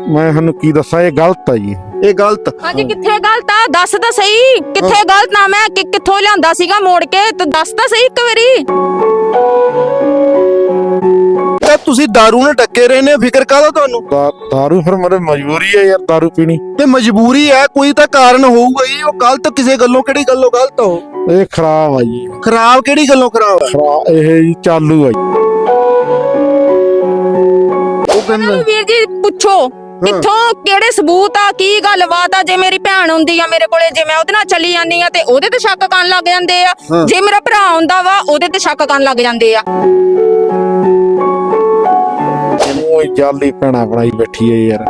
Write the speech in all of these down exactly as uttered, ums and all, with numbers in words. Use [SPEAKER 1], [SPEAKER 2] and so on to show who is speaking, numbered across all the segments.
[SPEAKER 1] मैं थानू की दसा ये गलत है जी।
[SPEAKER 2] ਇਹ ਗਲਤ
[SPEAKER 3] हाँ जी किथे गलत आ दस तो सही किथे गलत ना मैं कि किथों लियांदा सीगा मोड़ के तो दस तो सही एक बारी
[SPEAKER 2] ਤਾਂ ਤੁਸੀਂ दारू ਨਾਲ ਟੱਕੇ ਰਹੇ ਨੇ ਫਿਕਰ ਕਾਹਦਾ ਤੁਹਾਨੂੰ
[SPEAKER 1] दा, दारू फिर मेरे मजबूरी है यार दारू पीनी।
[SPEAKER 2] ਤੇ ਮਜਬੂਰੀ ਹੈ ਕੋਈ ਤਾਂ ਕਾਰਨ ਹੋਊਗਾ ਹੀ ਉਹ ਗਲਤ ਕਿਸੇ ਗੱਲੋਂ ਕਿਹੜੀ ਗੱਲੋਂ ਗਲਤ ਹੋ
[SPEAKER 1] ये खराब है जी।
[SPEAKER 2] ਖਰਾਬ ਕਿਹੜੀ ਗੱਲੋਂ ਖਰਾਬ ਹੈ
[SPEAKER 1] खराब ये जी चालू है जी।
[SPEAKER 2] ਉਹ ਕਹਿੰਦਾ
[SPEAKER 3] ਵੀਰ ਜੀ ਪੁੱਛੋ ਕਿੱਥੋਂ ਕਿਹੜੇ ਸਬੂਤ ਆ ਕੀ ਗੱਲਬਾਤ ਆ ਜੇ ਮੇਰੀ ਭੈਣ ਹੁੰਦੀ ਆ ਮੇਰੇ ਕੋਲੇ ਜੇ ਮੈਂ ਉਹਦੇ ਨਾਲ ਚਲੀ ਜਾਂਦੀ ਆ ਤੇ ਉਹਦੇ ਤੇ ਸ਼ੱਕ ਕਰਨ ਲੱਗ ਜਾਂਦੇ ਆ ਜੇ ਮੇਰਾ ਭਰਾ ਹੁੰਦਾ ਵਾ ਉਹਦੇ ਤੇ ਸ਼ੱਕ ਕਰਨ ਲੱਗ ਜਾਂਦੇ ਆ
[SPEAKER 1] ਉਹ ਜਾਲੀ ਭੈਣਾ ਬਣਾਈ ਬੈਠੀ ਹੈ ਯਾਰ।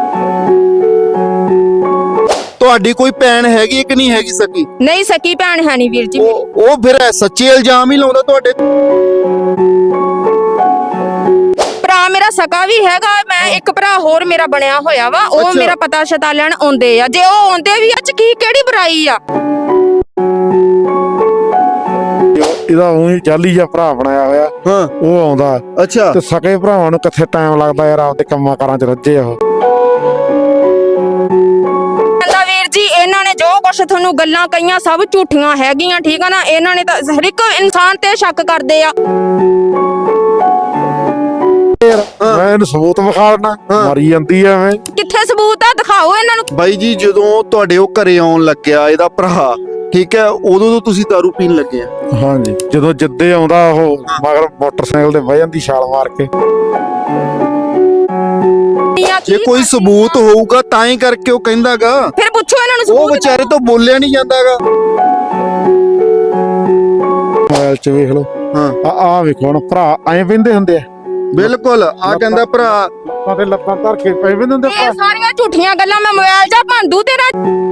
[SPEAKER 2] ਤੁਹਾਡੀ ਕੋਈ ਭੈਣ ਹੈਗੀ ਹੈ ਕਿ ਨਹੀਂ ਹੈਗੀ ਸਕੀ
[SPEAKER 3] ਨਹੀਂ ਸਕੀ ਭੈਣ ਹੈ ਨਹੀਂ ਵੀਰ ਜੀ
[SPEAKER 2] ਉਹ ਉਹ ਫਿਰ ਸੱਚੇ ਇਲਜ਼ਾਮ ਹੀ ਲਾਉਂਦਾ ਤੁਹਾਡੇ
[SPEAKER 3] ਭਰਾ ਮੇਰਾ ਸਕਾ ਵੀ ਹੈਗਾ ਮੈਂ ਇੱਕ ਭਰਾ ਹੋਰ ਮੇਰਾ ਬਣਿਆ ਹੋਇਆ ਵਾ ਉਹ
[SPEAKER 2] ਅੱਛਾ।
[SPEAKER 3] ਮੇਰਾ ਪਤਾ ਸ਼ਤਾ ਲੈਣ ਆਉਂਦੇ ਆ ਜੇ ਉਹ ਆਉਂਦੇ ਵੀ ਅੱਜ ਕੀ ਕਿਹੜੀ ਬੁਰਾਈ ਆ
[SPEAKER 1] ਇਹਦਾ ਉਹੀ ਜਾਲੀ ਜਿਹਾ ਭਰਾ ਬਣਾਇਆ ਹੋਇਆ
[SPEAKER 2] ਹਾਂ
[SPEAKER 1] ਉਹ ਆਉਂਦਾ
[SPEAKER 2] ਅੱਛਾ
[SPEAKER 1] ਤੇ ਸਕੇ ਭਰਾਵਾਂ ਨੂੰ ਕਿੱਥੇ ਟਾਈਮ ਲੱਗਦਾ ਯਾਰ ਆਪਦੇ ਕੰਮਾਂ ਕਾਰਾਂ 'ਚ ਰੱਜੇ ਉਹ।
[SPEAKER 3] ਕਹਿੰਦਾ ਵੀਰ ਜੀ ਇਹਨਾਂ ਨੇ ਜੋ ਕੁਛ ਤੁਹਾਨੂੰ ਗੱਲਾਂ ਕਹੀਆਂ ਸਭ ਝੂਠੀਆਂ ਹੈਗੀਆਂ ਠੀਕ ਆ ਨਾ ਇਹਨਾਂ ਨੇ ਤਾਂ ਹਰ ਇੱਕ ਇਨਸਾਨ ਤੇ ਸ਼ੱਕ ਕਰਦੇ ਆ
[SPEAKER 1] ਯਾਰ ਮੈਂ ਇਹਨੂੰ ਸਬੂਤ ਵਿਖਾ ਦੇਣਾ ਮਰੀ ਜਾਂਦੀ ਐ ਐਵੇਂ।
[SPEAKER 3] ਕਿੱਥੇ ਸਬੂਤ ਆ ਦਿਖਾਓ ਇਹਨਾਂ ਨੂੰ
[SPEAKER 2] ਬਾਈ ਜੀ ਜਦੋਂ ਤੁਹਾਡੇ ਉਹ ਘਰੇ ਆਉਣ ਲੱਗਿਆ ਇਹਦਾ ਭਰਾ ਠੀਕ ਹੈ ਉਦੋਂ ਤੋਂ ਤੁਸੀਂ दारू ਪੀਣ ਲੱਗੇ ਆ
[SPEAKER 1] ਹਾਂਜੀ ਜਦੋਂ ਜਿੱਦੇ ਆਉਂਦਾ ਉਹ ਮਗਰ ਮੋਟਰਸਾਈਕਲ ਤੇ ਬਹਿ ਜਾਂਦੀ ਛਾਲ ਮਾਰ ਕੇ।
[SPEAKER 2] ਜੇ ਕੋਈ ਸਬੂਤ ਹੋਊਗਾ ਤਾਂ ਹੀ ਕਰਕੇ ਉਹ ਕਹਿੰਦਾਗਾ
[SPEAKER 3] ਫਿਰ ਪੁੱਛੋ ਇਹਨਾਂ ਨੂੰ
[SPEAKER 2] ਉਹ
[SPEAKER 3] ਸਬੂਤ
[SPEAKER 2] ਵਿਚਾਰੇ ਤੋਂ ਬੋਲਿਆ ਨਹੀਂ ਜਾਂਦਾਗਾ
[SPEAKER 1] ਮੋਬਾਈਲ 'ਚ ਵੇਖ ਲਓ
[SPEAKER 2] ਹਾਂ
[SPEAKER 1] ਆ ਆ ਵੇਖੋ ਹੁਣ ਭਰਾ ਐਂ ਪੈਂਦੇ ਹੁੰਦੇ ਆ
[SPEAKER 2] ਬਿਲਕੁਲ ਆ ਕਹਿੰਦਾ ਭਰਾ
[SPEAKER 1] ਲੱਤਾਂ ਤੇ ਲੱਤਾਂ ਧਰ ਕੇ ਪੈ ਪੈਂਦੇ ਹੁੰਦੇ
[SPEAKER 3] ਇਹ ਸਾਰੀਆਂ ਝੂਠੀਆਂ ਗੱਲਾਂ ਮੈਂ ਮੋਬਾਈਲ 'ਚ ਭੰਦੂ ਤੇਰਾ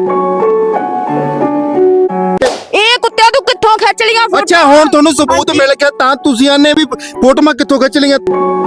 [SPEAKER 3] ਇਹ ਕੁੱਤਿਆਂ ਤੂੰ ਕਿੱਥੋਂ ਖਿੱਚ ਲੀਆਂ ਫੋਟੋ
[SPEAKER 2] ਅੱਛਾ ਹੁਣ ਤੁਹਾਨੂੰ ਸਬੂਤ ਮਿਲ ਗਿਆ ਤਾਂ ਤੁਸੀਂ ਆਨੇ ਵੀ ਫੋਟੋਆਂ ਕਿੱਥੋਂ ਖਿੱਚ ਲਈਆਂ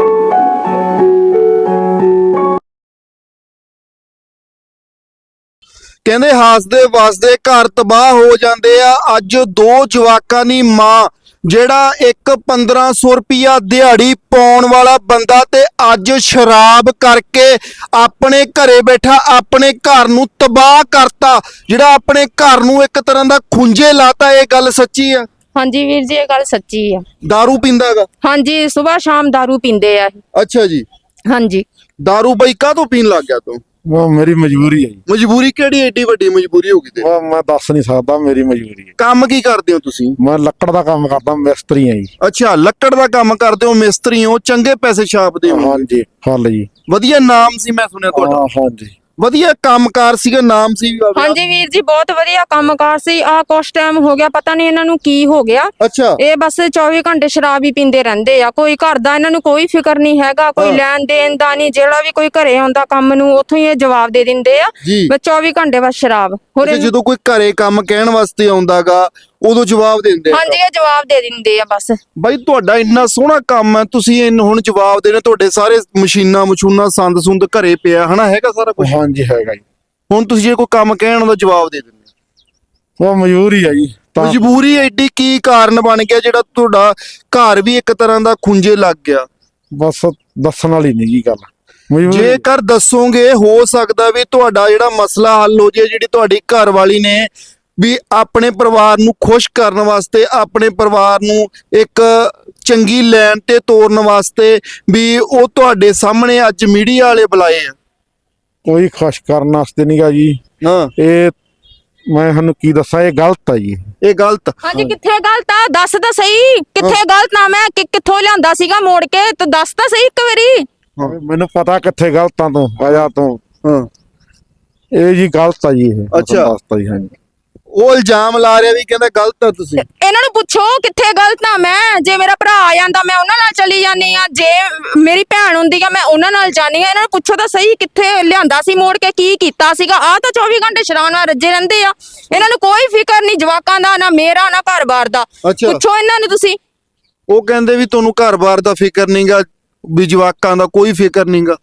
[SPEAKER 2] ਕਹਿੰਦੇ ਹਾਸਦੇ ਵਸਦੇ ਘਰ ਤਬਾਹ ਹੋ ਜਾਂਦੇ ਆ ਅੱਜ ਦੋ ਜਵਾਕਾਂ ਦੀ ਮਾਂ ਜਿਹੜਾ ਇੱਕ ਪੰਦਰਾਂ ਸੌ ਰੁਪਿਆ ਦਿਹਾੜੀ ਪਾਉਣ ਵਾਲਾ ਬੰਦਾ ਤੇ ਅੱਜ ਸ਼ਰਾਬ ਕਰਕੇ ਆਪਣੇ ਘਰੇ ਬੈਠਾ ਆਪਣੇ ਘਰ ਨੂੰ ਤਬਾਹ ਕਰਤਾ ਜਿਹੜਾ ਆਪਣੇ ਘਰ ਨੂੰ ਇੱਕ ਤਰ੍ਹਾਂ ਦਾ ਖੁੰਝੇ ਲਾਤਾ ਇਹ ਗੱਲ ਸੱਚੀ ਆ
[SPEAKER 3] ਹਾਂਜੀ ਵੀਰ ਜੀ ਇਹ ਗੱਲ ਸੱਚੀ ਆ
[SPEAKER 2] दारू ਪੀਂਦਾਗਾ
[SPEAKER 3] ਹਾਂਜੀ ਸਵੇਰ ਸ਼ਾਮ दारू ਪੀਂਦੇ ਆ ਇਹ।
[SPEAKER 2] ਅੱਛਾ ਜੀ
[SPEAKER 3] ਹਾਂਜੀ
[SPEAKER 2] दारू ਬਈ ਕਾਹਤੋਂ ਪੀਣ ਲੱਗ ਗਿਆ ਤੂੰ
[SPEAKER 1] ਉਹ ਮੇਰੀ ਮਜਬੂਰੀ ਹੈ ਜੀ।
[SPEAKER 2] ਮਜਬੂਰੀ ਕਿਹੜੀ ਏਡੀ ਵੱਡੀ ਮਜਬੂਰੀ ਹੋ ਗਈ ਤੇ
[SPEAKER 1] ਉਹ ਮੈਂ ਦੱਸ ਨਹੀਂ ਸਕਦਾ ਮੇਰੀ ਮਜਬੂਰੀ ਹੈ।
[SPEAKER 2] ਕੰਮ ਕੀ ਕਰਦੇ ਹੋ ਤੁਸੀਂ
[SPEAKER 1] ਮੈਂ ਲੱਕੜ ਦਾ ਕੰਮ ਕਰਦਾ ਮਿਸਤਰੀ ਆ ਜੀ।
[SPEAKER 2] ਅੱਛਾ ਲੱਕੜ ਦਾ ਕੰਮ ਕਰਦੇ ਹੋ ਮਿਸਤਰੀ ਹੋ ਚੰਗੇ ਪੈਸੇ ਛਾਪਦੇ ਹੋ
[SPEAKER 1] ਹਾਂਜੀ ਫੁੱਲ ਜੀ।
[SPEAKER 2] ਵਧੀਆ ਨਾਮ ਸੀ ਮੈਂ ਸੁਣਿਆ ਤੁਹਾਡਾ
[SPEAKER 1] ਹਾਂ ਹਾਂਜੀ
[SPEAKER 2] ਵਧੀਆ ਕੰਮਕਾਰ ਸੀਗਾ ਨਾਮ ਸੀ
[SPEAKER 3] ਹਾਂਜੀ ਵੀਰ ਜੀ ਬਹੁਤ ਵਧੀਆ ਕੰਮਕਾਰ ਸੀ ਆ ਕੁਛ ਟਾਈਮ ਹੋ ਗਿਆ ਪਤਾ ਨਹੀਂ ਇਹਨਾਂ ਨੂੰ ਕੀ ਹੋ ਗਿਆ
[SPEAKER 2] ਅੱਛਾ
[SPEAKER 3] ਇਹ ਬਸ ਚੌਵੀ ਘੰਟੇ ਸ਼ਰਾਬ ਹੀ ਪੀਂਦੇ ਰਹਿੰਦੇ ਆ ਕੋਈ ਘਰ ਦਾ ਇਹਨਾਂ ਨੂੰ ਕੋਈ ਫਿਕਰ ਨਹੀਂ ਹੈਗਾ ਕੋਈ ਲੈਣ ਦੇਣ ਦਾ ਨਹੀਂ ਜਿਹੜਾ ਵੀ ਕੋਈ ਘਰੇ ਆਉਂਦਾ ਕੰਮ ਨੂੰ ਉੱਥੋਂ ਹੀ ਇਹ ਜਵਾਬ ਦੇ ਦਿੰਦੇ ਆ
[SPEAKER 2] ਜੀ
[SPEAKER 3] ਬਸ ਚੌਵੀ ਘੰਟੇ ਬਸ ਸ਼ਰਾਬ ਹੋਰ
[SPEAKER 2] ਅੱਛਾ, ਜਦੋਂ ਕੋਈ ਘਰੇ ਕੰਮ ਕਹਿਣ ਵਾਸਤੇ ਆਉਂਦਾਗਾ ਉਦੋਂ ਜਵਾਬ ਦਿੰਦੇ ਆ
[SPEAKER 3] ਹਾਂਜੀ ਇਹ ਜਵਾਬ ਦੇ ਦਿੰਦੇ ਆ ਬਸ
[SPEAKER 2] ਬਾਈ ਤੁਹਾਡਾ ਇੰਨਾ ਸੋਹਣਾ ਕੰਮ ਹੈ ਤੁਸੀਂ ਇਹਨੂੰ ਹੁਣ ਜਵਾਬ ਦੇਣਾ ਤੁਹਾਡੇ ਸਾਰੇ ਮਸ਼ੀਨਾਂ ਮਸ਼ੂਨਾਂ ਸੰਦ ਸੁੰਦ ਘਰੇ ਪਿਆ ਹਨਾ ਹੈਗਾ ਸਾਰਾ ਕੁਝ
[SPEAKER 1] ਹਾਂਜੀ ਹੈਗਾ ਜੀ।
[SPEAKER 2] ਹੁਣ ਤੁਸੀਂ ਜੇ ਕੋਈ ਕੰਮ ਕਹਿਣ ਦਾ ਜਵਾਬ ਦੇ ਦਿੰਦੇ
[SPEAKER 1] ਉਹ ਮਜਬੂਰੀ ਹੈ ਜੀ ਤਾਂ
[SPEAKER 2] ਮਜਬੂਰੀ ਐਡੀ ਕੀ ਕਾਰਨ ਬਣ ਗਿਆ ਜਿਹੜਾ ਤੁਹਾਡਾ ਘਰ ਵੀ ਇੱਕ ਤਰ੍ਹਾਂ ਦਾ ਖੁੰਝੇ ਲੱਗ ਗਿਆ
[SPEAKER 1] ਬਸ ਦੱਸਣ ਵਾਲੀ ਨਹੀਂ ਜੀ ਗੱਲ ਮਜਬੂਰੀ।
[SPEAKER 2] ਜੇਕਰ ਦੱਸੋਗੇ ਹੋ ਸਕਦਾ ਵੀ ਤੁਹਾਡਾ ਜਿਹੜਾ ਮਸਲਾ ਹੱਲ ਹੋ ਜਾਏ ਜਿਹੜੀ ਤੁਹਾਡੀ ਘਰ ਵਾਲੀ ਨੇ ਵੀ ਆਪਣੇ ਪਰਿਵਾਰ ਨੂੰ ਖੁਸ਼ ਕਰਨ ਵਾਸਤੇ ਆਪਣੇ ਪਰਿਵਾਰ ਨੂੰ ਇੱਕ ਚੰਗੀ ਲਾਈਨ ਤੇ ਤੋਰਨ ਵਾਸਤੇ ਵੀ ਉਹ ਤੁਹਾਡੇ ਸਾਹਮਣੇ ਅੱਜ ਮੀਡੀਆ ਵਾਲੇ ਬੁਲਾਏ ਆ
[SPEAKER 1] ਕੋਈ ਖੁਸ਼ ਕਰਨ ਵਾਸਤੇ ਨਹੀਂਗਾ ਜੀ।
[SPEAKER 2] ਹਾਂ
[SPEAKER 1] ਇਹ ਮੈਂ ਤੁਹਾਨੂੰ ਕੀ ਦੱਸਾਂ ਇਹ ਗਲਤ ਹੈ ਜੀ।
[SPEAKER 2] ਇਹ ਗਲਤ
[SPEAKER 3] ਹਾਂਜੀ ਕਿੱਥੇ ਗਲਤ ਆ ਦੱਸ ਤਾਂ ਸਹੀ ਕਿੱਥੇ ਗਲਤ ਨਾ ਮੈਂ ਕਿ ਕਿੱਥੋਂ ਲਿਆਂਦਾ ਸੀਗਾ ਮੋੜ ਕੇ ਤੂੰ ਦੱਸ ਤਾਂ ਸਹੀ ਇੱਕ ਵਾਰੀ
[SPEAKER 1] ਮੈਨੂੰ ਪਤਾ ਕਿੱਥੇ ਗਲਤਾਂ ਤੋਂ ਵਜ੍ਹਾ ਤੋਂ
[SPEAKER 2] ਹਾਂ
[SPEAKER 1] ਇਹ ਜੀ ਗਲਤ ਆ ਜੀ ਇਹ ਮੈਂ
[SPEAKER 2] ਅੱਛਾ।
[SPEAKER 1] ਤੁਹਾਨੂੰ ਦੱਸਤਾ ਜੀ ਹਾਂਜੀ।
[SPEAKER 2] ਉਹ ਇਲਜ਼ਾਮ ਲਾ ਰਿਹਾ ਵੀ ਕਹਿੰਦਾ ਗਲਤ ਆ ਤੁਸੀਂ
[SPEAKER 3] ਇਹਨਾਂ ਨੂੰ ਪੁੱਛੋ ਕਿੱਥੇ ਗਲਤ ਆ ਮੈਂ ਜੇ ਮੇਰਾ ਭਰਾ ਆ ਜਾਂਦਾ ਮੈਂ ਉਹਨਾਂ ਨਾਲ ਚਲੀ ਜਾਂਦੀ ਆ ਜੇ ਮੇਰੀ ਭੈਣ ਹੁੰਦੀ ਆ ਮੈਂ ਉਹਨਾਂ ਨਾਲ ਜਾਣੀ ਆ ਇਹਨਾਂ ਨੂੰ ਪੁੱਛੋ ਤਾਂ ਸਹੀ ਕਿੱਥੇ ਲਿਆਂਦਾ ਸੀ ਮੋੜ ਕੇ ਕੀ ਕੀਤਾ ਸੀਗਾ ਆ ਤਾਂ ਚੌਵੀ ਘੰਟੇ ਸ਼ਰਾਬ ਨਾਲ ਰੱਜੇ ਰਹਿੰਦੇ ਆ ਇਹਨਾਂ ਨੂੰ ਕੋਈ ਫਿਕਰ ਨਹੀਂ ਜਵਾਕਾਂ ਦਾ ਨਾ ਮੇਰਾ ਨਾ ਘਰ-ਬਾਰ ਦਾ
[SPEAKER 2] ਅੱਛਾ।
[SPEAKER 3] ਪੁੱਛੋ ਇਹਨਾਂ ਨੂੰ ਤੁਸੀਂ
[SPEAKER 2] ਉਹ ਕਹਿੰਦੇ ਵੀ ਤੁਹਾਨੂੰ ਘਰ-ਬਾਰ ਦਾ ਫਿਕਰ ਨਹੀਂਗਾ ਵੀ ਜਵਾਕਾਂ ਦਾ ਕੋਈ ਫਿਕਰ ਨਹੀਂਗਾ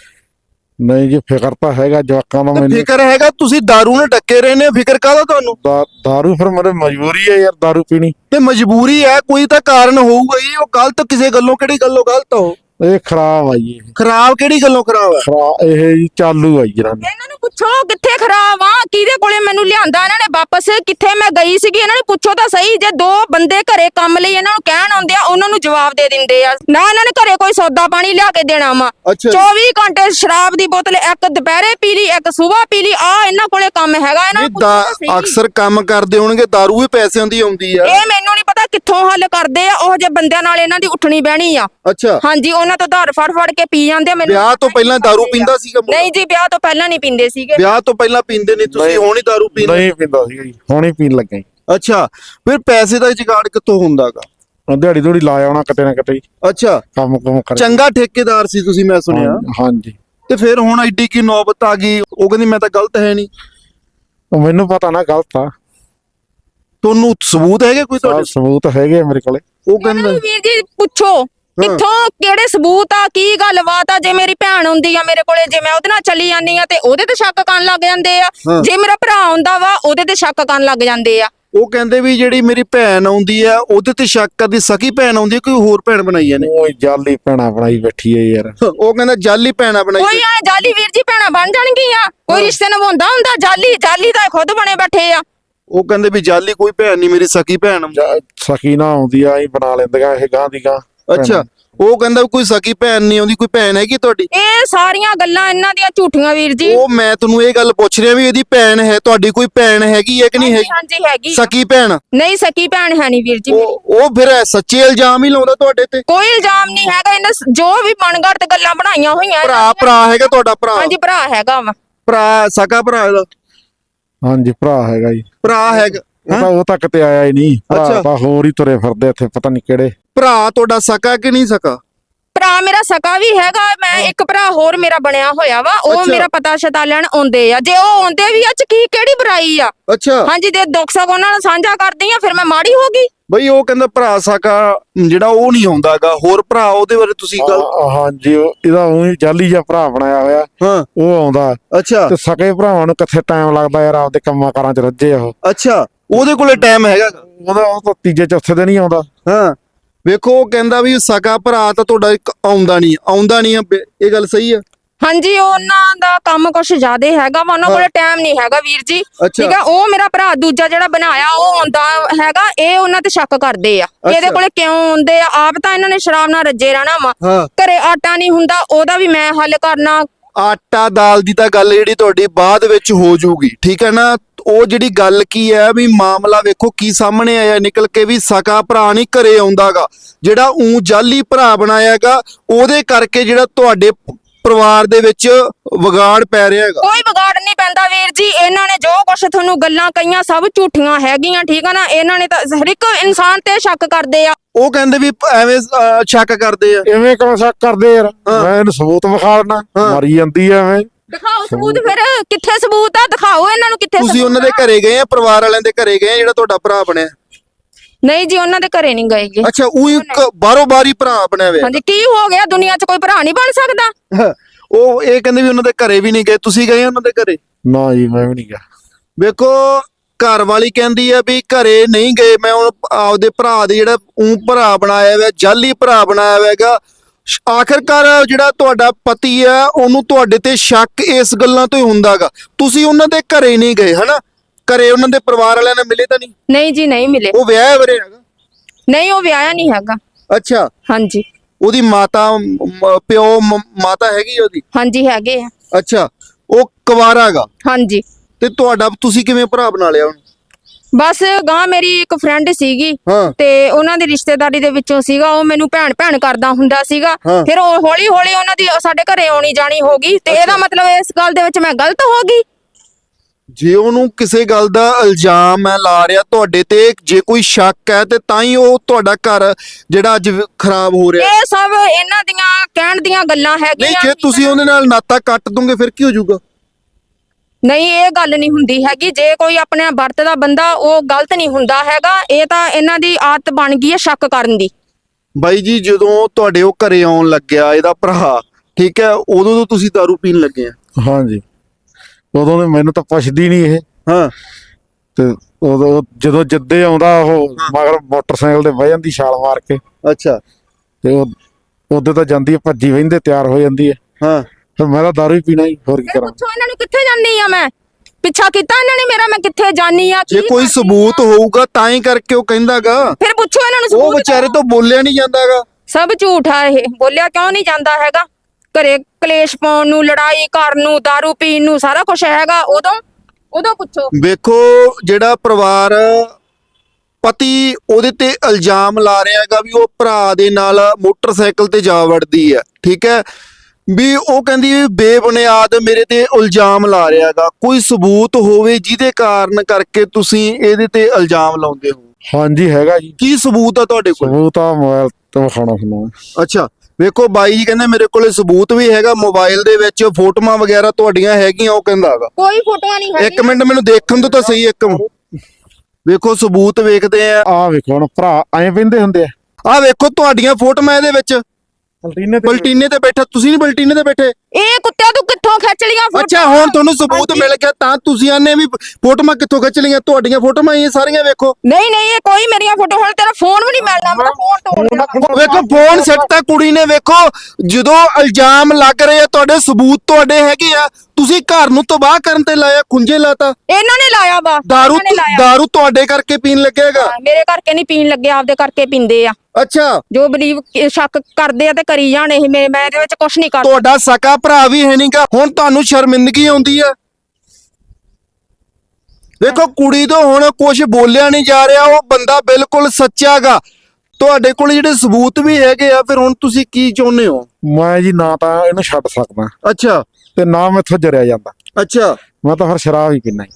[SPEAKER 1] ਨਹੀਂ ਜੀ ਫਿਕਰ ਤਾਂ ਹੈਗਾ ਜਵਾਕਾਂ ਦਾ
[SPEAKER 2] ਤੇ
[SPEAKER 1] ਮੈਨੂੰ
[SPEAKER 2] ਫਿਕਰ ਹੈਗਾ ਤੁਸੀਂ दारू ਨਾਲ ਟੱਕੇ ਰਹੇ ਨੇ ਫਿਕਰ ਕਾਹਦਾ ਤੁਹਾਨੂੰ
[SPEAKER 1] ਦਾ- दारू ਫਿਰ ਮੇਰੇ ਮਜਬੂਰੀ ਹੈ ਯਾਰ दारू ਪੀਣੀ।
[SPEAKER 2] ਤੇ ਮਜਬੂਰੀ ਹੈ ਕੋਈ ਤਾਂ ਕਾਰਨ ਹੋਊਗਾ ਹੀ ਉਹ ਗਲਤ ਕਿਸੇ ਗੱਲੋਂ ਕਿਹੜੀ ਗੱਲੋਂ ਗਲਤ ਹੋ
[SPEAKER 1] ਇਹ ਖਰਾਬ ਆ ਜੀ ਇਹ
[SPEAKER 2] ਖਰਾਬ ਕਿਹੜੀ ਗੱਲੋਂ ਖਰਾਬ ਹੈ?
[SPEAKER 1] ਖਰਾਬ ਇਹ ਜੀ ਚਾਲੂ ਆ ਜੀ ਇਹਨਾਂ ਦੀ।
[SPEAKER 3] ਇਹਨਾਂ ਨੂੰ ਪੁੱਛੋ ਕਿੱਥੇ ਖਰਾਬ ਆ, ਕਿਹਦੇ ਕੋਲੇ ਮੈਨੂੰ ਲਿਆਂਦਾ ਇਹਨਾਂ ਨੇ ਵਾਪਸ, ਕਿੱਥੇ ਮੈਂ ਗਈ ਸੀਗੀ, ਇਹਨਾਂ ਨੂੰ ਪੁੱਛੋ ਤਾਂ ਸਹੀ। ਜੇ ਦੋ ਬੰਦੇ ਘਰੇ ਕੰਮ ਲਈ ਇਹਨਾਂ ਨੂੰ ਕਹਿਣ ਆਉਂਦੇ ਆ, ਉਹਨਾਂ ਨੂੰ ਜਵਾਬ ਦੇ ਦਿੰਦੇ ਆ ਨਾ। ਇਹਨਾਂ ਨੇ ਘਰੇ ਕੋਈ ਸੌਦਾ ਪਾਣੀ ਲਿਆ ਕੇ ਦੇਣਾ ਵਾ।
[SPEAKER 2] ਅੱਛਾ।
[SPEAKER 3] ਚੌਵੀ ਘੰਟੇ ਸ਼ਰਾਬ ਦੀ ਬੋਤਲ ਇੱਕ ਦੁਪਹਿਰੇ ਪੀ ਲਈ, ਇੱਕ ਸਵੇਰ ਪੀ ਲਈ। ਆ ਇਹਨਾਂ ਕੋਲੇ ਕੰਮ ਹੈਗਾ, ਇਹਨਾਂ ਨੂੰ ਪੁੱਛੋ ਤਾਂ ਸਹੀ।
[SPEAKER 2] ਅਕਸਰ ਕੰਮ ਕਰਦੇ ਹੋਣਗੇ, ਦਾਰੂ ਵੀ ਪੈਸਿਆਂ ਦੀ ਆਉਂਦੀ ਆ।
[SPEAKER 3] ਇਹ ਮੈਨੂੰ ਨਹੀਂ ਪਤਾ ਕਿੱਥੋਂ ਹੱਲ ਕਰਦੇ ਆ, ਉਹ ਜੇ ਬੰਦਿਆਂ ਨਾਲ ਇਹਨਾਂ ਦੀ ਉੱਠਣੀ ਬਹਿਣੀ ਆ।
[SPEAKER 2] ਅੱਛਾ।
[SPEAKER 3] ਹਾਂਜੀ, ਉਹਨਾਂ ਤੋਂ ਧਾਰ ਫੜ ਫੜ ਕੇ ਪੀ ਜਾਂਦੇ ਆ। ਮੈਨੂੰ
[SPEAKER 2] ਵਿਆਹ ਤੋਂ ਪਹਿਲਾਂ ਦਾਰੂ ਪੀਂਦਾ ਸੀਗਾ ਮੁੰਡਾ?
[SPEAKER 3] ਨਹੀਂ ਜੀ, ਵਿਆਹ ਤੋਂ ਪਹਿਲਾਂ ਨਹੀਂ ਪੀਂਦੇ ਸੀਗੇ।
[SPEAKER 2] ਵਿਆਹ ਤੋਂ ਪਹਿਲਾਂ ਪੀਂਦੇ ਨਹੀਂ, ਤੁਸੀਂ ਹੁਣ ਹੀ ਦਾਰੂ ਪੀਂਦੇ?
[SPEAKER 1] ਨਹੀਂ ਪੀਂਦਾ ਸੀਗਾ ਜੀ, ਹੁਣ ਹੀ ਪੀਣ ਲੱਗਾ ਜੀ।
[SPEAKER 2] ਅੱਛਾ, ਫਿਰ ਪੈਸੇ ਦਾ ਜੁਗਾੜ ਕਿੱਥੋਂ ਹੁੰਦਾਗਾ?
[SPEAKER 1] ਦਿਹਾੜੀ ਦਿਹੜੀ ਲਾ ਆਉਣਾ ਕਿਤੇ ਨਾ ਕਿਤੇ ਜੀ,
[SPEAKER 2] ਅੱਛਾ,
[SPEAKER 1] ਕੰਮ ਕੰਮ ਕਰ।
[SPEAKER 2] ਚੰਗਾ ਠੇਕੇਦਾਰ ਸੀ ਤੁਸੀਂ, ਮੈਂ ਸੁਣਿਆ।
[SPEAKER 1] ਹਾਂਜੀ।
[SPEAKER 2] ਤੇ ਫਿਰ ਹੁਣ ਐਡੀ ਕੀ ਨੌਬਤ ਆ ਗਈ? ਉਹ ਕਹਿੰਦੀ ਮੈਂ ਤਾਂ ਗਲਤ ਹੈ ਨਹੀਂ।
[SPEAKER 1] ਉਹ ਮੈਨੂੰ ਪਤਾ ਨਾ ਗਲਤ ਆ,
[SPEAKER 2] ਤੁਹਾਨੂੰ ਸਬੂਤ ਹੈਗੇ ਕੋਈ
[SPEAKER 1] ਸਾਰਾ
[SPEAKER 2] ਤੁਹਾਡੇ?
[SPEAKER 1] ਸਬੂਤ ਹੈਗੇ ਆ ਮੇਰੇ ਕੋਲੇ।
[SPEAKER 2] ਉਹ
[SPEAKER 3] ਇਹਨਾਂ
[SPEAKER 2] ਕਹਿੰਦਾ
[SPEAKER 3] ਨੂੰ ਵੀਰ ਜੀ ਪੁੱਛੋ ਕਿੱਥੋਂ ਕਿਹੜੇ ਸਬੂਤ ਆ, ਕੀ ਗੱਲਬਾਤ ਆ। ਜੇ ਮੇਰੀ ਭੈਣ ਹੁੰਦੀ ਆ ਮੇਰੇ ਕੋਲੇ, ਜੇ ਮੈਂ ਉਹਦੇ ਨਾਲ ਚਲੀ ਜਾਂਦੀ ਆ ਤੇ ਉਹਦੇ ਤੇ ਸ਼ੱਕ ਕਰਨ ਲੱਗ ਜਾਂਦੇ ਆ।
[SPEAKER 2] ਹਾਂ।
[SPEAKER 3] ਜੇ ਮੇਰਾ ਭਰਾ ਹੁੰਦਾ ਵਾ, ਉਹਦੇ ਤੇ ਸ਼ੱਕ ਕਰਨ ਲੱਗ ਜਾਂਦੇ ਆ।
[SPEAKER 2] ਉਹ ਕਹਿੰਦੇ ਵੀ ਜਿਹੜੀ ਮੇਰੀ ਭੈਣ ਆਉਂਦੀ ਆ ਉਹਦੇ ਤੇ ਸ਼ੱਕ ਕਰਦੀ, ਸਕੀ ਭੈਣ ਆਉਂਦੀ ਆ, ਕੋਈ ਹੋਰ ਭੈਣ ਬਣਾਈ ਨੇ?
[SPEAKER 1] ਉਹ ਜਾਲੀ ਭੈਣਾ ਬਣਾਈ ਬੈਠੀ ਹੈ ਯਾਰ।
[SPEAKER 2] ਉਹ ਕਹਿੰਦਾ ਜਾਲੀ ਭੈਣਾ ਬਣਾਈ।
[SPEAKER 3] ਕੋਈ ਐ ਜਾਲੀ ਵੀਰ ਜੀ ਭੈਣਾਂ ਬਣ ਜਾਣਗੀਆਂ? ਕੋਈ ਰਿਸ਼ਤੇ ਨਿਭਾਉਂਦਾ ਹੁੰਦਾ ਜਾਲੀ? ਜਾਲੀ ਤਾਂ ਇਹ ਖੁਦ ਬਣੇ ਬੈਠੇ ਆ।
[SPEAKER 2] ਉਹ ਕਹਿੰਦੇ ਵੀ ਜਾਲੀ ਕੋਈ ਭੈਣ ਨਹੀਂ, ਮੇਰੀ ਸਕੀ ਭੈਣ ਆਉਂਦੀ।
[SPEAKER 1] ਜਾ- ਸਕੀ ਨਾ ਆਉਂਦੀ ਆ, ਹੀ ਬਣਾ ਲੈਂਦੀਆਂ ਇਹ ਗਾਂ ਦੀ ਗਾਂ।
[SPEAKER 2] ਅੱਛਾ, ਉਹ ਕਹਿੰਦਾ ਵੀ ਕੋਈ ਸਕੀ ਭੈਣ ਨਹੀਂ ਆਉਂਦੀ, ਕੋਈ ਭੈਣ ਹੈਗੀ ਤੁਹਾਡੀ?
[SPEAKER 3] ਇਹ ਸਾਰੀਆਂ ਗੱਲਾਂ ਇਹਨਾਂ ਦੀਆਂ ਝੂਠੀਆਂ ਵੀਰ ਜੀ।
[SPEAKER 2] ਉਹ ਮੈਂ ਤੁਹਾਨੂੰ ਇਹ ਗੱਲ ਪੁੱਛ ਰਿਹਾ ਵੀ ਇਹਦੀ ਭੈਣ ਹੈ, ਤੁਹਾਡੀ ਕੋਈ ਭੈਣ ਹੈਗੀ ਹੈ ਕਿ ਨਹੀਂ
[SPEAKER 3] ਹਾਂਜੀ
[SPEAKER 2] ਹੈਗੀ?
[SPEAKER 3] ਹਾਂਜੀ ਹੈਗੀ।
[SPEAKER 2] ਸਕੀ ਭੈਣ?
[SPEAKER 3] ਨਹੀਂ, ਸਕੀ ਭੈਣ ਹੈ ਨਹੀਂ ਵੀਰ ਜੀ ਮੇਰੀ।
[SPEAKER 2] ਉਹ ਉਹ ਫਿਰ ਸੱਚੇ ਇਲਜ਼ਾਮ ਹੀ ਲਾਉਂਦਾ ਤੁਹਾਡੇ ਤੇ।
[SPEAKER 3] ਕੋਈ ਇਲਜ਼ਾਮ ਨਹੀਂ ਹੈਗਾ, ਇਹਨਾਂ ਸ- ਜੋ ਵੀ ਮਨਗੜ ਤੇ ਗੱਲਾਂ ਬਣਾਈਆਂ ਹੋਈਆਂ।
[SPEAKER 2] ਭਰਾ ਭਰਾ ਹੈਗਾ ਤੁਹਾਡਾ? ਭਰਾ?
[SPEAKER 3] ਹਾਂਜੀ, ਭਰਾ ਹੈਗਾ ਵਾ।
[SPEAKER 2] ਭਰਾ ਸਕਾ ਭਰਾ ਇਹਦਾ?
[SPEAKER 1] ਹਾਂਜੀ ਭਰਾ ਹੈਗਾ ਜੀ।
[SPEAKER 2] ਭਰਾ ਹੈਗਾ?
[SPEAKER 1] ਉਹ ਤਾਂ ਉਹ ਤਾਂ ਕਿਤੇ ਆਇਆ ਹੀ ਨਹੀਂ,
[SPEAKER 2] ਅੱਛਾ।
[SPEAKER 1] ਭਰਾ ਤਾਂ ਹੋਰ ਹੀ ਤੁਰੇ ਫਿਰਦੇ ਇੱਥੇ, ਪਤਾ ਨਹੀਂ ਕਿਹੜੇ।
[SPEAKER 2] ਭਰਾ ਤੁਹਾਡਾ ਸਕਾ ਕਿ ਨਹੀਂ ਸਕਾ?
[SPEAKER 3] ਭਰਾ ਮੇਰਾ ਸਕਾ ਵੀ ਹੈਗਾ, ਮੈਂ ਇੱਕ ਭਰਾ ਹੋਰ ਮੇਰਾ ਬਣਿਆ ਹੋਇਆ ਵਾ। ਉਹ
[SPEAKER 2] ਅੱਛਾ।
[SPEAKER 3] ਮੇਰਾ ਪਤਾ ਸ਼ਤਾ ਲੈਣ ਆਉਂਦੇ ਆ। ਜੇ ਉਹ ਆਉਂਦੇ ਵੀ ਆ ਚ ਕੀ ਕਿਹੜੀ ਬੁਰਾਈ ਆ?
[SPEAKER 2] ਅੱਛਾ।
[SPEAKER 3] ਹਾਂਜੀ, ਜੇ ਦੁੱਖ ਸੁੱਖ ਉਹਨਾਂ ਨਾਲ ਸਾਂਝਾ ਕਰਦੀ ਆ, ਫਿਰ ਮੈਂ ਮਾੜੀ ਹੋ ਗਈ?
[SPEAKER 2] ਬਈ ਉਹ ਕਹਿੰਦਾ ਭਰਾ ਸਕਾ ਜਿਹੜਾ ਉਹ ਨਹੀਂ ਆਉਂਦਾਗਾ, ਹੋਰ ਭਰਾ ਉਹਦੇ ਬਾਰੇ ਤੁਸੀਂ ਗੱਲ?
[SPEAKER 1] ਹਾਂ- ਹਾਂਜੀ ਉਹ ਇਹਦਾ ਉਹੀ ਜਾਲੀ ਜਿਹਾ ਭਰਾ ਬਣਾਇਆ ਹੋਇਆ,
[SPEAKER 2] ਹਾਂ।
[SPEAKER 1] ਉਹ ਆਉਂਦਾ।
[SPEAKER 2] ਅੱਛਾ।
[SPEAKER 1] ਤੇ ਸਕੇ ਭਰਾਵਾਂ ਨੂੰ ਕਿੱਥੇ ਟਾਈਮ ਲੱਗਦਾ ਯਾਰ, ਆਪਦੇ ਕੰਮਾਂ ਕਾਰਾਂ 'ਚ ਰੱਜੇ ਉਹ।
[SPEAKER 2] ਅੱਛਾ, ਉਹਦੇ ਕੋਲੇ ਟਾਈਮ ਹੈਗਾ?
[SPEAKER 1] ਉਹਦਾ ਉਹ ਤਾਂ ਤੀਜੇ ਚੌਥੇ ਦਿਨ ਹੀ ਆਉਂਦਾ।
[SPEAKER 2] ਹਾਂ, ਵੇਖੋ ਉਹ ਕਹਿੰਦਾ ਵੀ ਸਕਾ ਭਰਾ ਤਾਂ ਤੁਹਾਡਾ ਇੱਕ ਆਉਂਦਾ ਨਹੀਂ ਆਉਂਦਾ ਨਹੀਂ ਆ, ਇਹ ਗੱਲ ਸਹੀ ਆ?
[SPEAKER 3] ਹਾਂਜੀ, ਉਹਨਾਂ ਦਾ ਕੰਮ ਕੁਛ ਜ਼ਿਆਦਾ ਹੈਗਾ ਵਾ, ਉਹਨਾਂ ਕੋਲੇ ਟਾਈਮ ਨਹੀਂ ਹੈਗਾ ਵੀਰ ਜੀ।
[SPEAKER 2] ਅੱਛਾ।
[SPEAKER 3] ਠੀਕ ਆ, ਉਹ ਮੇਰਾ ਭਰਾ ਦੂਜਾ ਜਿਹੜਾ ਬਣਾਇਆ ਉਹ ਆਉਂਦਾ ਹੈਗਾ। ਇਹ ਉਹਨਾਂ ਤੇ ਸ਼ੱਕ ਕਰਦੇ ਆ, ਇਹਦੇ ਕੋਲੇ ਕਿਉਂ ਆਉਂਦੇ ਆ? ਆਪ ਤਾਂ ਇਹਨਾਂ ਨੇ ਸ਼ਰਾਬ ਨਾਲ ਰੱਜੇ ਰਹਿਣਾ ਵਾ।
[SPEAKER 2] ਹਾਂ।
[SPEAKER 3] ਘਰੇ ਆਟਾ ਨਹੀਂ ਹੁੰਦਾ, ਉਹਦਾ ਵੀ ਮੈਂ ਹੱਲ ਕਰਨਾ।
[SPEAKER 2] ਆਟਾ ਦਾਲ ਦੀ ਤਾਂ ਗੱਲ ਜਿਹੜੀ ਤੁਹਾਡੀ ਬਾਅਦ ਵਿੱਚ ਹੋ ਜਾਊਗੀ, ਠੀਕ ਹੈ ਨਾ? ਉਹ ਜਿਹੜੀ ਗੱਲ ਕੀ ਹੈ ਵੀ ਮਾਮਲਾ ਵੇਖੋ ਕੀ ਸਾਹਮਣੇ ਆਇਆ ਨਿਕਲ ਕੇ, ਵੀ ਸਕਾ ਭਰਾ ਨਹੀਂ ਘਰੇ ਆਉਂਦਾਗਾ, ਜਿਹੜਾ ਊ ਜਾਲੀ ਭਰਾ ਬਣਾਇਆਗਾ, ਉਹਦੇ ਕਰਕੇ ਜਿਹੜਾ ਤੁਹਾਡੇ ਪਰਿਵਾਰ ਦੇ ਵਿੱਚ ਵਿਗਾੜ ਪੈ ਰਿਹਾ ਹੈਗਾ।
[SPEAKER 3] ਕੋਈ ਵਿਗਾੜ ਨਹੀਂ ਪੈਂਦਾ ਵੀਰ ਜੀ। ਇਹਨਾਂ ਨੇ ਜੋ ਕੁਛ ਤੁਹਾਨੂੰ ਗੱਲਾਂ ਕਹੀਆਂ ਸਭ ਝੂਠੀਆਂ ਹੈਗੀਆਂ, ਠੀਕ ਆ ਨਾ? ਇਹਨਾਂ ਨੇ ਤਾਂ ਹਰ ਇੱਕ ਇਨਸਾਨ ਤੇ ਸ਼ੱਕ ਕਰਦੇ ਆ।
[SPEAKER 2] ਉਹ ਕਹਿੰਦੇ ਵੀ ਐਵੇਂ ਅਹ, ਸ਼ੱਕ ਕਰਦੇ ਆ।
[SPEAKER 1] ਐਵੇਂ ਕਿਉਂ ਸ਼ੱਕ ਕਰਦੇ ਯਾਰ? ਮੈਂ ਇਹਨੂੰ ਸਬੂਤ ਵਿਖਾ ਦੇਣਾ, ਮਰੀ ਜਾਂਦੀ ਐ ਐਵੇਂ।
[SPEAKER 3] ਦਿਖਾਓ ਸਬੂਤ, ਫਿਰ ਕਿੱਥੇ ਸਬੂਤ ਆ? ਦਿਖਾਓ ਇਹਨਾਂ ਨੂੰ ਕਿੱਥੇ
[SPEAKER 2] ਤੁਸੀਂ
[SPEAKER 3] ਸਬੂਤ
[SPEAKER 2] ਉਹਨਾਂ ਦੇ
[SPEAKER 3] ਆ?
[SPEAKER 2] ਘਰੇ ਗਏ ਆ? ਪਰਿਵਾਰ ਵਾਲਿਆਂ ਦੇ ਘਰੇ ਗਏ ਆ ਜਿਹੜਾ ਤੁਹਾਡਾ ਭਰਾ ਬਣਿਆ?
[SPEAKER 3] ਨਹੀਂ ਜੀ, ਉਹਨਾਂ ਦੇ ਘਰੇ ਨਹੀਂ ਗਏ ਜੀ।
[SPEAKER 2] ਅੱਛਾ, ਉਹ ਇੱਕ ਬਾਰੋ ਬਾਰੀ ਭਰਾ ਬਣਿਆ ਹੋਇਆ?
[SPEAKER 3] ਹਾਂਜੀ, ਕੀ ਹੋ ਗਿਆ? ਦੁਨੀਆ 'ਚ ਕੋਈ ਭਰਾ ਨਹੀਂ ਬਣ ਸਕਦਾ?
[SPEAKER 2] ਉਹ ਇਹ ਕਹਿੰਦੇ ਵੀ ਉਹਨਾਂ ਦੇ ਘਰੇ ਵੀ ਨਹੀਂ ਗਏ, ਤੁਸੀਂ ਗਏ ਉਹਨਾਂ ਦੇ ਘਰੇ?
[SPEAKER 1] ਨਾ ਜੀ, ਮੈਂ ਵੀ ਨਹੀਂ ਗਿਆ।
[SPEAKER 2] ਵੇਖੋ ਘਰ ਵਾਲੀ ਕਹਿੰਦੀ ਆ ਵੀ ਘਰੇ ਨਹੀਂ ਗਏ, ਮੈਂ ਹੁਣ ਆਪਦੇ ਭਰਾ ਦੇ ਜਿਹੜਾ ਊਂ ਭਰਾ ਬਣਾਇਆ ਹੋਇਆ, ਜਾਲੀ ਭਰਾ ਬਣਾਇਆ ਹੋਇਆ ਹੈਗਾ। ਆਖਿਰਕਾਰ ਜਿਹੜਾ ਤੁਹਾਡਾ ਪਤੀ ਆ ਉਹਨੂੰ ਤੁਹਾਡੇ ਤੇ ਸ਼ੱਕ ਇਸ ਗੱਲਾਂ ਤੋਂ ਹੀ ਹੁੰਦਾਗਾ, ਤੁਸੀਂ ਉਹਨਾਂ ਦੇ ਘਰੇ ਨਹੀਂ ਗਏ ਹਨਾ? ਘਰੇ ਉਹਨਾਂ ਦੇ ਪਰਿਵਾਰ ਵਾਲਿਆਂ ਨਾਲ ਮਿਲੇ ਤਾਂ ਨਹੀਂ?
[SPEAKER 3] ਨਹੀਂ ਜੀ, ਨਹੀਂ ਮਿਲੇ।
[SPEAKER 2] ਉਹ ਵਿਆਹ ਵਰੇ ਹੈਗਾ?
[SPEAKER 3] ਨਹੀਂ, ਉਹ ਵਿਆਹਿਆ ਨਹੀਂ ਹੈਗਾ।
[SPEAKER 2] ਅੱਛਾ।
[SPEAKER 3] ਹਾਂਜੀ
[SPEAKER 2] ਉਹਦੀ ਮਾਤਾ ਮ- ਪਿਓ ਮ- ਮਾਤਾ ਹੈਗੀ ਉਹਦੀ?
[SPEAKER 3] ਹਾਂਜੀ ਹੈਗੇ ਆ।
[SPEAKER 2] ਅੱਛਾ, ਉਹ ਕੁਵਾਰਾ ਹੈਗਾ?
[SPEAKER 3] ਹਾਂਜੀ।
[SPEAKER 2] ਤੇ ਤੁਹਾਡਾ ਤੁਸੀਂ ਕਿਵੇਂ ਭਰਾ ਬਣਾ ਲਿਆ ਉਹਨੂੰ?
[SPEAKER 3] ਬਸ ਗਾਂ ਮੇਰੀ ਇੱਕ ਫਰੈਂਡ ਸੀਗੀ,
[SPEAKER 2] ਹਾਂ।
[SPEAKER 3] ਤੇ ਉਹਨਾਂ ਦੀ ਰਿਸ਼ਤੇਦਾਰੀ ਦੇ ਵਿੱਚੋਂ ਸੀਗਾ। ਉਹ ਮੈਨੂੰ ਭੈਣ ਭੈਣ ਕਰਦਾ ਹੁੰਦਾ ਸੀਗਾ।
[SPEAKER 2] ਹਾਂ।
[SPEAKER 3] ਫਿਰ ਉਹ ਹੌਲੀ ਹੌਲੀ ਉਹਨਾਂ ਦੀ ਸਾਡੇ ਘਰੇ ਆਉਣੀ ਜਾਣੀ ਹੋ ਗਈ, ਤੇ ਇਹਦਾ ਮਤਲਬ ਇਸ ਗੱਲ ਦੇ ਵਿੱਚ ਮੈਂ ਗਲਤ ਹੋ ਗਈ?
[SPEAKER 2] ਜੇ ਉਹਨੂੰ ਕਿਸੇ ਗੱਲ ਦਾ ਇਲਜ਼ਾਮ ਹੈ ਲਾ ਰਿਹਾ ਤੁਹਾਡੇ ਤੇ, ਜੇ ਕੋਈ ਸ਼ੱਕ ਹੈ ਤੇ ਤਾਂ ਹੀ ਉਹ ਤੁਹਾਡਾ ਘਰ ਜਿਹੜਾ ਅੱਜ ਖਰਾਬ ਹੋ ਰਿਹਾ।
[SPEAKER 3] ਇਹ ਸਭ ਇਹਨਾਂ ਦੀਆਂ ਕਹਿਣ ਦੀਆਂ ਗੱਲਾਂ ਹੈਗੀਆਂ।
[SPEAKER 2] ਨਹੀਂ, ਜੇ ਤੁਸੀਂ ਉਹਦੇ ਨਾਲ ਨਾਤਾ ਕੱਟ ਦੋਗੇ ਫਿਰ ਕੀ ਹੋ ਜਾਊਗਾ?
[SPEAKER 3] ਨਹੀਂ, ਇਹ ਗੱਲ ਨਹੀਂ ਹੁੰਦੀ ਹੈਗੀ। ਜੇ ਕੋਈ ਆਪਣੇ ਵਰਤਦਾ ਬੰਦਾ, ਉਹ ਗਲਤ ਨਹੀਂ ਹੁੰਦਾ ਹੈਗਾ। ਇਹ ਤਾਂ ਇਹਨਾਂ ਦੀ ਆਦਤ ਬਣ ਗਈ ਹੈ ਸ਼ੱਕ ਕਰਨ ਦੀ।
[SPEAKER 2] ਬਾਈ ਜੀ, ਜਦੋਂ ਤੁਹਾਡੇ ਉਹ ਘਰੇ ਆਉਣ ਲੱਗਿਆ ਇਹਦਾ ਭਰਾ, ਠੀਕ ਹੈ, ਉਦੋਂ ਤੋਂ ਤੁਸੀਂ ਦਾਰੂ ਪੀਣ ਲੱਗੇ ਆ?
[SPEAKER 1] ਹਾਂਜੀ, ਉਦੋਂ ਦੇ ਮੈਨੂੰ ਤਾਂ ਪੁੱਛਦੀ ਨਹੀਂ ਇਹ।
[SPEAKER 2] ਹਾਂ।
[SPEAKER 1] ਤੇ ਉਦੋਂ ਜਦੋਂ ਜਿੱਦੇ ਆਉਂਦਾ ਉਹ ਮਗਰ ਮੋਟਰਸਾਈਕਲ ਤੇ ਬਹਿ ਜਾਂਦੀ ਛਾਲ ਮਾਰ ਕੇ।
[SPEAKER 2] ਅੱਛਾ।
[SPEAKER 1] ਤੇ ਉਹ ਉਦੋਂ ਤਾਂ ਜਾਂਦੀ ਹੈ ਭੱਜੀ ਵਹਿੰਦੇ ਤਿਆਰ ਹੋ ਜਾਂਦੀ ਹੈ।
[SPEAKER 2] ਹਾਂ
[SPEAKER 1] ਫਿਰ ਮੈਂ ਤਾਂ ਦਾਰੂ ਹੀ ਪੀਣਾ ਹੀ, ਹੋਰ ਕੀ
[SPEAKER 3] ਫਿਰ
[SPEAKER 1] ਕਰਾਂ।
[SPEAKER 3] ਪੁੱਛੋ ਇਹਨਾਂ ਨੂੰ ਕਿੱਥੇ ਜਾਨੀ ਆ ਮੈਂ, ਪਿੱਛਾ ਕੀਤਾ ਇਹਨਾਂ ਨੇ ਮੇਰਾ, ਮੈਂ ਕਿੱਥੇ ਜਾਨੀ ਆ,
[SPEAKER 2] ਜੇ
[SPEAKER 3] ਕੀ
[SPEAKER 2] ਕੋਈ
[SPEAKER 3] ਕਰਦੀ
[SPEAKER 2] ਸਬੂਤ
[SPEAKER 3] ਆ।
[SPEAKER 2] ਹੋਊਗਾ ਤਾਂ ਹੀ ਕਰਕੇ ਉਹ ਕਹਿੰਦਾਗਾ।
[SPEAKER 3] ਫਿਰ ਪੁੱਛੋ ਇਹਨਾਂ ਨੂੰ
[SPEAKER 2] ਉਹ
[SPEAKER 3] ਸਬੂਤ
[SPEAKER 2] ਵਿਚਾਰੇ ਤੋਂ ਬੋਲਿਆ ਨਹੀਂ ਜਾਂਦਾਗਾ।
[SPEAKER 3] ਸਭ ਝੂਠ ਆ ਇਹ, ਬੋਲਿਆ ਕਿਉਂ ਨਹੀਂ ਜਾਂਦਾ ਹੈਗਾ। ਘਰੇ ਕਲੇਸ਼ ਪਾਉਣ ਨੂੰ, ਲੜਾਈ ਕਰਨ ਨੂੰ, दारू ਪੀਣ ਨੂੰ ਸਾਰਾ ਕੁਝ ਹੈਗਾ। ਉਦੋਂ ਉਦੋਂ ਪੁੱਛੋ।
[SPEAKER 2] ਵੇਖੋ ਜਿਹੜਾ ਪਰਿਵਾਰ ਪਤੀ ਉਹਦੇ ਤੇ ਇਲਜ਼ਾਮ ਲਾ ਰਿਹਾ ਹੈਗਾ ਵੀ ਉਹ ਭਰਾ ਦੇ ਨਾਲ ਮੋਟਰਸਾਈਕਲ ਤੇ ਜਾ ਵੜਦੀ ਹੈ, ਠੀਕ ਹੈ, ਵੀ ਉਹ ਕਹਿੰਦੀ ਵੀ ਬੇਬੁਨਿਆਦ ਮੇਰੇ ਤੇ ਇਲਜ਼ਾਮ ਲਾ ਰਿਹਾ ਹੈਗਾ। ਕੋਈ ਸਬੂਤ ਹੋਵੇ ਜਿਹਦੇ ਕਾਰਨ ਕਰਕੇ ਤੁਸੀਂ ਇਹਦੇ ਤੇ ਇਲਜ਼ਾਮ ਲਾਉਂਦੇ ਹੋ।
[SPEAKER 1] ਹਾਂਜੀ ਹੈਗਾ ਜੀ
[SPEAKER 2] ਕੀ ਸਬੂਤ ਆ ਤੁਹਾਡੇ ਕੋਲ?
[SPEAKER 1] ਸਬੂਤ ਆ ਮੋਬਾਈਲ ਤੋਂ ਵਿਖਾਉਣਾ ਤੁਹਾਨੂੰ।
[SPEAKER 2] ਅੱਛਾ ਵੇਖੋ ਬਾਈ ਜੀ ਕਹਿੰਦੇ ਮੇਰੇ ਕੋਲੇ ਸਬੂਤ ਵੀ ਹੈਗਾ, ਮੋਬਾਈਲ ਦੇ ਵਿੱਚ ਫੋਟੋਆਂ ਵਗੈਰਾ ਤੁਹਾਡੀਆਂ ਹੈਗੀਆਂ। ਉਹ ਕਹਿੰਦਾ ਹੈਗਾ
[SPEAKER 3] ਕੋਈ ਫੋਟੋਆਂ ਨਹੀਂ
[SPEAKER 2] ਇੱਕ
[SPEAKER 3] ਹੈਗੀਆਂ।
[SPEAKER 2] ਮਿੰਟ ਮੈਨੂੰ ਦੇਖਣ ਤੋਂ ਤਾਂ ਸਹੀ। ਇੱਕ ਵੇਖੋ ਸਬੂਤ ਵੇਖਦੇ ਆ।
[SPEAKER 1] ਆਹ ਵੇਖੋ ਹੁਣ ਭਰਾ ਐਂ ਪੈਂਦੇ ਹੁੰਦੇ ਆ
[SPEAKER 2] ਆਹ ਵੇਖੋ ਤੁਹਾਡੀਆਂ ਫੋਟੋਆਂ ਇਹਦੇ ਵਿੱਚ।
[SPEAKER 1] ਪਲਟੀਨੇ ਤੇ
[SPEAKER 2] ਬਲਟੀਨੇ ਤੇ ਬੈਠਾ, ਤੁਸੀਂ ਨਹੀਂ ਬਲਟੀਨੇ ਤੇ ਬੈਠੇ।
[SPEAKER 3] ਇਹ ਕੁੱਤਿਆਂ ਤੂੰ ਕਿੱਥੋਂ ਖਿੱਚ ਲੀਆਂ ਫੋਟੋਆਂ?
[SPEAKER 2] ਅੱਛਾ ਹੁਣ ਤੁਹਾਨੂੰ ਸਬੂਤ
[SPEAKER 3] ਹਾਂਜੀ।
[SPEAKER 2] ਮਿਲ ਗਿਆ ਤਾਂ ਤੁਸੀਂ ਆਨੇ ਵੀ ਫੋਟੋਆਂ ਕਿੱਥੋਂ ਖਿੱਚ ਲਈਆਂ? ਤੁਹਾਡੀਆਂ ਫੋਟੋਆਂ ਇਹ ਸਾਰੀਆਂ ਵੇਖੋ।
[SPEAKER 3] ਨਹੀਂ ਨਹੀਂ ਇਹ ਕੋਈ ਮੇਰੀਆਂ ਫੋਟੋ, ਹੁਣ ਤੇਰਾ ਫੋਨ ਵੀ ਨਹੀਂ ਮਿਲਣਾ, ਮੇਰਾ ਫੋਨ ਤੋੜ ਦੇਣਾ।
[SPEAKER 2] ਵੇਖੋ ਫੋਨ ਸਿੱਟਤਾ ਕੁੜੀ ਨੇ। ਵੇਖੋ ਜਦੋਂ ਇਲਜ਼ਾਮ ਲੱਗ ਰਹੇ ਆ ਤੁਹਾਡੇ, ਸਬੂਤ ਤੁਹਾਡੇ ਹੈਗੇ ਆ, ਤੁਸੀਂ ਘਰ ਨੂੰ ਤਬਾਹ ਕਰਨ ਤੇ ਲਾਇਆ, ਖੁੰਝੇ ਲਾਤਾ।
[SPEAKER 3] ਇਹਨਾਂ ਨੇ ਲਾਇਆ ਵਾ,
[SPEAKER 2] ਦਾਰੂ
[SPEAKER 3] ਇਹਨਾਂ ਨੇ ਲਾਇਆ।
[SPEAKER 2] ਦਾਰੂ ਤੁਹਾਡੇ ਕਰਕੇ ਪੀਣ ਲੱਗੇਗਾ।
[SPEAKER 3] ਹਾਂ, ਮੇਰੇ ਕਰਕੇ ਨਹੀਂ ਪੀਣ ਲੱਗੇ, ਆਪਦੇ ਕਰਕੇ ਪੀਂਦੇ ਆ।
[SPEAKER 2] ਅੱਛਾ
[SPEAKER 3] ਜੋ ਬਲੀਵ ਸ਼ੱਕ ਕਰਦੇ ਆ ਤੇ ਕਰੀ ਜਾਣ। ਇਹ ਮੈਂ ਮੈਂ ਇਹਦੇ ਵਿੱਚ ਕੁਝ ਨਹੀਂ ਕਰਦਾ।
[SPEAKER 2] ਤੁਹਾਡਾ ਸਕਾ ਭਰਾ ਵੀ ਹੈ ਨਹੀਂਗਾ, ਹੁਣ ਤੁਹਾਨੂੰ ਸ਼ਰਮਿੰਦਗੀ ਆਉਂਦੀ ਆ। ਵੇਖੋ ਕੁੜੀ ਤੋਂ ਹੁਣ ਕੁਝ ਬੋਲਿਆ ਨਹੀਂ ਜਾ ਰਿਹਾ, ਉਹ ਬੰਦਾ ਬਿਲਕੁਲ ਸੱਚਾਗਾ। ਤੁਹਾਡੇ ਕੋਲ ਜਿਹੜੇ ਸਬੂਤ ਵੀ ਹੈਗੇ ਆ, ਫਿਰ ਹੁਣ ਤੁਸੀਂ ਕੀ ਚਾਹੁੰਦੇ ਹੋ?
[SPEAKER 1] ਮੈਂ ਜੀ ਨਾ ਤਾਂ ਇਹਨੂੰ ਛੱਡ ਸਕਦਾ
[SPEAKER 2] ਅੱਛਾ
[SPEAKER 1] ਤੇ ਨਾ ਮੈਥੋਂ ਜਰਿਆ ਜਾਂਦਾ।
[SPEAKER 2] ਅੱਛਾ
[SPEAKER 1] ਮੈਂ ਤਾਂ ਫਿਰ ਸ਼ਰਾਬ ਹੀ ਪੀਣਾ।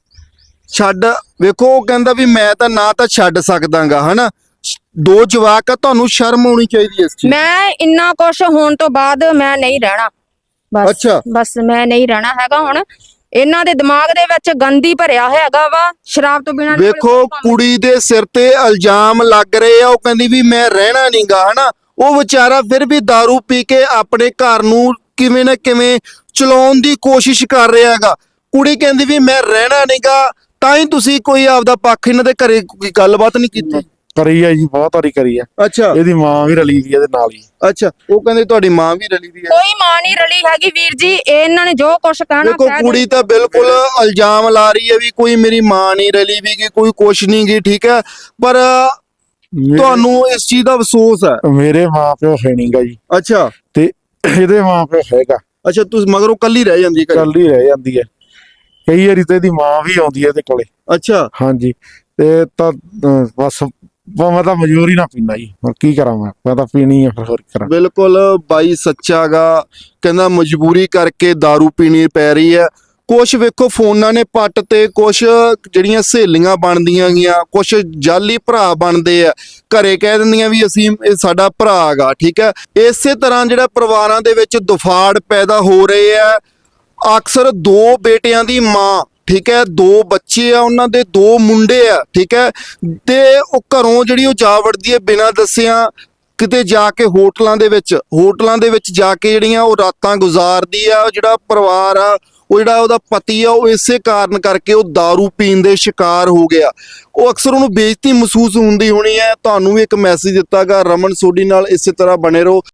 [SPEAKER 2] ਛੱਡ ਵੇਖੋ ਉਹ ਕਹਿੰਦਾ ਵੀ ਮੈਂ ਤਾਂ ਨਾ ਤਾਂ ਛੱਡ ਸਕਦਾਗਾ, ਹਨਾ। ਦੋ ਜਵਾਕ ਆ, ਤੁਹਾਨੂੰ ਸ਼ਰਮ ਆਉਣੀ ਚਾਹੀਦੀ ਇਸ ਚੀਜ਼।
[SPEAKER 3] ਮੈਂ ਇੰਨਾ ਕੁਝ ਹੋਣ ਤੋਂ ਬਾਅਦ ਮੈਂ ਨਹੀਂ ਰਹਿਣਾ। ਬਸ
[SPEAKER 2] ਅੱਛਾ।
[SPEAKER 3] ਬਸ ਮੈਂ ਨਹੀਂ ਰਹਿਣਾ ਹੈਗਾ। ਹੁਣ ਇਹਨਾਂ ਦੇ ਦਿਮਾਗ ਦੇ ਵਿੱਚ ਗੰਦੀ ਭਰਿਆ ਹੈਗਾ ਵਾ, ਸ਼ਰਾਬ ਤੋਂ ਬਿਨਾਂ।
[SPEAKER 2] ਵੇਖੋ ਕੁੜੀ ਦੇ ਸਿਰ ਤੇ ਇਲਜ਼ਾਮ ਲੱਗ ਰਹੇ ਆ, ਉਹ ਕਹਿੰਦੀ ਵੀ ਮੈਂ ਰਹਿਣਾ ਨਹੀਂਗਾ, ਹਨਾ। ਉਹ ਵਿਚਾਰਾ ਫਿਰ ਵੀ दारू ਪੀ ਕੇ ਆਪਣੇ ਘਰ ਨੂੰ ਕਿਵੇਂ ਨਾ ਕਿਵੇਂ ਚਲਾਉਣ ਦੀ ਕੋਸ਼ਿਸ਼ ਕਰ ਰਿਹਾ ਹੈਗਾ। ਕੁੜੀ ਕਹਿੰਦੀ ਵੀ ਮੈਂ ਰਹਿਣਾ ਨਹੀਂਗਾ, ਤਾਂ ਹੀ ਤੁਸੀਂ ਕੋਈ ਆਪਦਾ ਪੱਖ ਇਹਨਾਂ ਦੇ ਘਰੇ ਕੋਈ ਗੱਲਬਾਤ ਨਹੀਂ ਕੀਤੀ?
[SPEAKER 1] ਕਰੀ ਆ ਜੀ, ਬਹੁਤ ਵਾਰੀ ਕਰੀ ਆ।
[SPEAKER 2] ਅੱਛਾ
[SPEAKER 1] ਇਹਦੀ ਮਾਂ ਵੀ ਰਲੀ ਵੀ ਇਹਦੇ ਨਾਲ ਹੀ।
[SPEAKER 2] ਅੱਛਾ ਉਹ ਕਹਿੰਦੇ ਤੁਹਾਡੀ ਮਾਂ ਵੀ ਰਲੀ ਦੀ ਹੈ।
[SPEAKER 3] ਕੋਈ ਮਾਂ ਨਹੀਂ ਰਲੀ ਹੈਗੀ ਵੀਰ ਜੀ, ਇਹ ਇਹਨਾਂ ਨੇ ਜੋ ਕੁਝ ਕਹਿਣਾ
[SPEAKER 2] ਦੇਖੋ
[SPEAKER 3] ਕਹਿ
[SPEAKER 2] ਕੁੜੀ ਤਾਂ ਬਿਲਕੁਲ ਇਲਜ਼ਾਮ ਲਾ ਰਹੀ ਹੈ ਵੀ ਕੋਈ ਮੇਰੀ ਮਾਂ ਨਹੀਂ ਰਲੀ ਵੀ ਗੀ, ਕੋਈ ਕੁਛ ਨਹੀਂ ਗੀ, ਠੀਕ ਹੈ, ਪਰ
[SPEAKER 1] ਮੇਰੇ-
[SPEAKER 2] ਤੁਹਾਨੂੰ ਇਸ ਚੀਜ਼ ਦਾ ਅਫਸੋਸ ਹੈ।
[SPEAKER 1] ਮੇਰੇ ਮਾਂ ਪਿਓ ਹੈ ਨਹੀਂਗਾ ਜੀ,
[SPEAKER 2] ਅੱਛਾ
[SPEAKER 1] ਤੇ ਇਹਦੇ ਮਾਂ ਪਿਓ ਹੈਗਾ।
[SPEAKER 2] ਅੱਛਾ ਤੁਸੀਂ ਮਗਰੋਂ ਕੱਲੀ ਰਹਿ ਜਾਂਦੀ ਘਰੇ?
[SPEAKER 1] ਕੱਲ ਹੀ ਰਹਿ ਜਾਂਦੀ ਹੈ। ਕਈ ਵਾਰੀ ਤੇ ਇਹਦੀ ਮਾਂ ਵੀ ਆਉਂਦੀ ਹੈ ਇਹਦੇ ਕੋਲੇ।
[SPEAKER 2] ਅੱਛਾ
[SPEAKER 1] ਹਾਂਜੀ ਤੇ ਤਾਂ ਅਹ, ਬਸ ਬ- ਮੈਂ ਤਾਂ ਮਜਬੂਰੀ ਨਾ ਪੀਣਾ ਜੀ, ਹੋਰ ਕੀ ਕਰਾਂ। ਮੈਂ ਮੈਂ ਤਾਂ ਪੀਣੀ ਆ, ਫਿਰ ਹੋਰ ਕੀ ਕਰਾਂ।
[SPEAKER 2] ਬਿਲਕੁਲ ਬਾਈ ਸੱਚਾਗਾ, ਕਹਿੰਦਾ ਮਜਬੂਰੀ ਕਰਕੇ दारू ਪੀਣੀ ਪੈ ਰਹੀ ਹੈ। ਕੁਛ ਵੇਖੋ ਫੋਨਾਂ ਨੇ ਪੱਟ ਤੇ, ਕੁਛ ਜਿਹੜੀਆਂ ਸਹੇਲੀਆਂ ਬਣਦੀਆਂ ਗੀਆਂ, ਕੁਛ ਜਾਲੀ ਭਰਾ ਬਣਦੇ ਆ, ਘਰੇ ਕਹਿ ਦਿੰਦੀਆਂ ਵੀ ਅਸੀਂ ਇਹ ਸਾਡਾ ਭਰਾ ਹੈਗਾ, ਠੀਕ ਹੈ। ਇਸੇ ਤਰ੍ਹਾਂ ਜਿਹੜਾ ਪਰਿਵਾਰਾਂ ਦੇ ਵਿੱਚ ਦੁਫਾੜ ਪੈਦਾ ਹੋ ਰਹੇ ਆ। ਅਕਸਰ ਦੋ ਬੇਟਿਆਂ ਦੀ ਮਾਂ, ਠੀਕ ਹੈ, ਦੋ ਬੱਚੇ ਆ ਉਹਨਾਂ ਦੇ, ਦੋ ਮੁੰਡੇ ਆ, ਠੀਕ ਹੈ, ਤੇ ਉਹ ਘਰੋਂ ਜਿਹੜੀ ਉਹ ਜਾ ਵੜਦੀ ਹੈ ਬਿਨਾਂ ਦੱਸਿਆਂ, ਕਿਤੇ ਜਾ ਕੇ ਹੋਟਲਾਂ ਦੇ ਵਿੱਚ ਹੋਟਲਾਂ ਦੇ ਵਿੱਚ ਜਾ ਕੇ ਜਿਹੜੀਆਂ ਉਹ ਰਾਤਾਂ ਗੁਜ਼ਾਰਦੀ ਆ। ਜਿਹੜਾ ਪਰਿਵਾਰ ਆ, ਉਹ ਜਿਹੜਾ ਉਹਦਾ ਪਤੀ ਆ, ਉਹ ਇਸੇ ਕਾਰਨ ਕਰਕੇ ਉਹ दारू ਪੀਣ ਦੇ ਸ਼ਿਕਾਰ ਹੋ ਗਿਆ। ਉਹ ਅਕਸਰ ਉਹਨੂੰ ਬੇਇੱਜ਼ਤੀ ਮਹਿਸੂਸ ਹੁੰਦੀ ਹੋਣੀ ਹੈ। ਤੁਹਾਨੂੰ ਵੀ ਇੱਕ ਮੈਸੇਜ ਦਿੱਤਾਗਾ, ਰਮਨ ਸੋਢੀ ਨਾਲ ਇਸੇ ਤਰ੍ਹਾਂ ਬਣੇ ਰਹੋ।